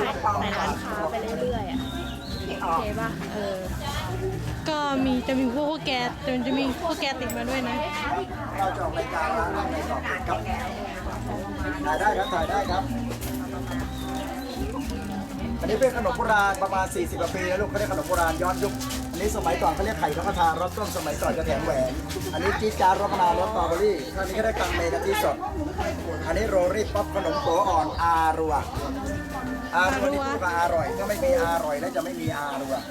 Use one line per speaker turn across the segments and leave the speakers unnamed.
ายในร้านค้าไปเรื่อยๆอ่ะโอเคป่ะ
ก็จะมีพวกแกจะมีพวกแกติดมาด้วยนะ
เราจะออกรายการร้านอะไรต่อครับถ่ายได้ครับถ่ายได้ครับอันนี้เป็นขนมโบราณประมาณ40 กว่าปีแล้วลูกเขาเรียกขนมโบราณย้อนยุคอันนี้สมัยก่อนเขาเรียกไข่นกกระทารสต้มสมัยก่อนจะแถมแหวนอันนี้จี๊ดจ๊าดรสมะนาวรสสตรอเบอรี่อันนี้ก็ได้กังเมกะทิสดอันนี้โรรี่ป๊อปขนมโตอ่อนอารัวนี่พูดว่าอร่อยถ้าไม่มีอร่อยแล้วจะไม่มีอารัว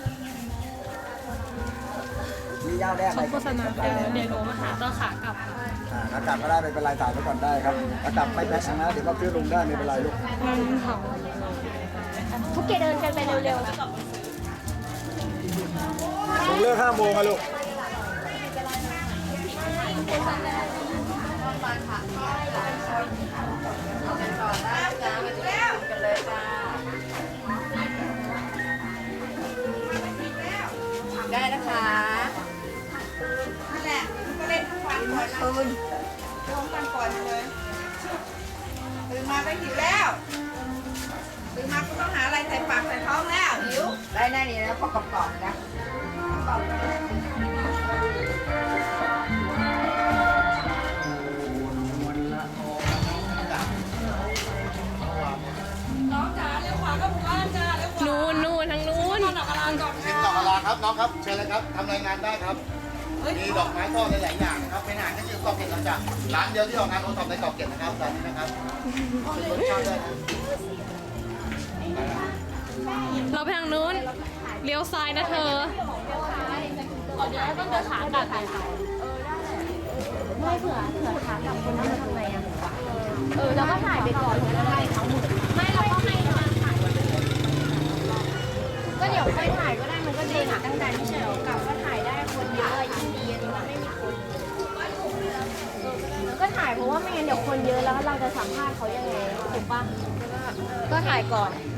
มีย่าแน่ไหม
โฆษณาเดี๋ยวหนูมาหาตอนขากลับ
อากาศก็ได้ไม่เป็นไรถ่ายไว้ก่อนได้ครับอากาศไม่แพ้ชนะเดี๋ยวก็ซื้อลงได้ไม่เป็นไรลูก
มันเผา
พวกแกเดินกันไปเร็ว
ลงเลิก5 โมงอะลูก
ได้นะคะนั่นแหละก็เล่นทั้งวันก่อนนะตื่นทั้งวันก่อนเลยตื่นมาก็หิวแล้วตื่นมาก็ต้องหาอะไรใส่ปากใส่ท้องแล้วหิวได้แน่นี่นะพอกรอบๆนะน้องจ๋าเร็วขวาก็หมู่บ้านจ้าเร็วขวา
นู่นทางนู้น
ดอกกระลาก่อน
ติดต่อกับลาครับน้องครับเชิญเลยครับทำรายงานได้ครับมีดอกไม้ทอดหลายๆอย่างนะครับเป็นอาหารที่ชื่อเกาะเกร็ดเราจะร้านเดียวที่ออกงานโอท็อปในเกาะเกร็ดนะครับร้านนี้นะครับเป็นรสชาติได้นะ
เราไปทางนู้นเลี้ยวซ้ายนะเธอ
ๆเดี๋ยวต้องเดินขากลับไม่เผื่อขากลับคนนั้นจะทำไงอ่ะแล้วก็ถ่ายไปก่อนแล้วถ่ายเขาหมดไม่เราก็ให้มาถ่ายก็เดี๋ยวค่อยถ่ายก็ได้มันก็ดีนะตั้งแต่ที่เฉยกลับก็ถ่ายได้คนเยอะยิ่งดีมันไม่มีคนก็ถ่ายเพราะว่าไม่งั้นเดี๋ยวคนเยอะแล้วเราจะสัมภาษณ์เขายังไงถูกปะก็ถ่ายก่อน